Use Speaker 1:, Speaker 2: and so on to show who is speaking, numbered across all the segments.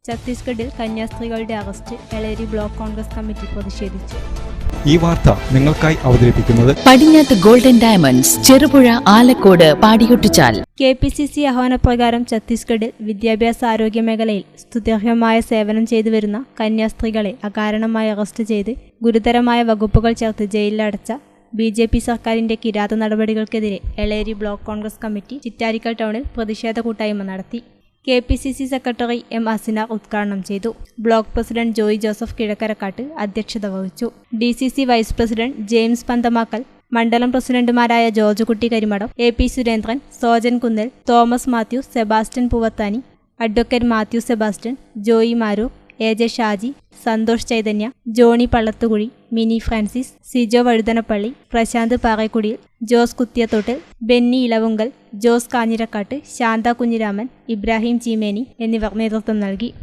Speaker 1: ഛത്തീസ്ഗഡിൽ കന്യാസ്ത്രീകളുടെ arrest. Eleri block Congress committee പ്രതിഷേധിച്ചു.
Speaker 2: ഈ വാർത്ത നിങ്ങൾക്കായി അവതരിപ്പിക്കുന്നത്
Speaker 3: Padinjath golden diamonds, Cherupuzha, Alakode, Padiyottuchal.
Speaker 1: KPCC ആഹ്വാനപ്രകാരം ഛത്തീസ്ഗഡിൽ വിദ്യാഭ്യാസ ആരോഗ്യ മേഖലയിൽ സ്തുത്യർഹമായ സേവനം ചെയ്തുവരുന്ന കന്യാസ്ത്രീകളെ അകാരണമായി അറസ്റ്റ് ചെയ്ത് ഗുരുതരമായ വകുപ്പുകൾ ചേർത്ത് ജയിലിലടച്ച BJP സർക്കാരിന്റെ കിരാത നടപടികൾക്കെതിരെ Eleri block Congress committee Chittarikkal ടൗണിൽ പ്രതിഷേധ കൂട്ടായ്മ നടത്തി. KPCC secretary M. അസിനാർ ഉദ്ഘാടനം ചെയ്തു. ബ്ലോക്ക് പ്രസിഡന്റ് ജോയി ജോസഫ് കിഴക്കരക്കാട്ട് അധ്യക്ഷത വഹിച്ചു. DCC vice president James Panthamakkal, മണ്ഡലം പ്രസിഡന്റുമാരായ George Kutty Karimadam, AP Surendran, Sojan Kunnal, Thomas Mathew, Sebastian Poovathani, advocate Mathew Sebastian, Joy Maroor, AJ Shaji, Santhosh Chaitanya, Johny Pallathukuzhi, Mini Francis, Sijo Vazhuthanappally, Prashanth Parekkudiyil, Jose Kuthiyathottil, Benny Elavunkal, Jose Kanjirakkatt, Shantha Kunhiraman, Ibrahim Cheemeni എന്നിവർ നേതൃത്വം നൽകി.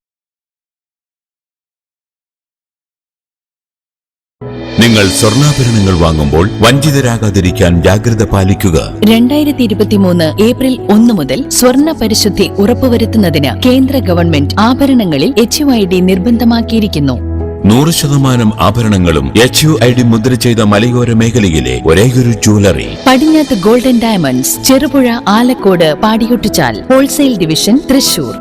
Speaker 4: നിങ്ങൾ സ്വർണ്ണാഭരണങ്ങൾ വാങ്ങുമ്പോൾ വഞ്ചിതരാകാതിരിക്കാൻ ജാഗ്രത പാലിക്കുക.
Speaker 3: 2023 ഏപ്രിൽ 1 മുതൽ സ്വർണ്ണ പരിശുദ്ധി ഉറപ്പുവരുത്തുന്നതിന് കേന്ദ്ര ഗവൺമെന്റ് ആഭരണങ്ങളിൽ HUID നിർബന്ധമാക്കിയിരിക്കുന്നു.
Speaker 4: 100% ആഭരണങ്ങളും HUID മുദ്ര ചെയ്ത മലയോര മേഖലയിലെ ഒരേയൊരു jewellery
Speaker 3: Padinjath golden diamonds, Cherupuzha, Alakode, Padiyottuchal. Wholesale division, Thrissur.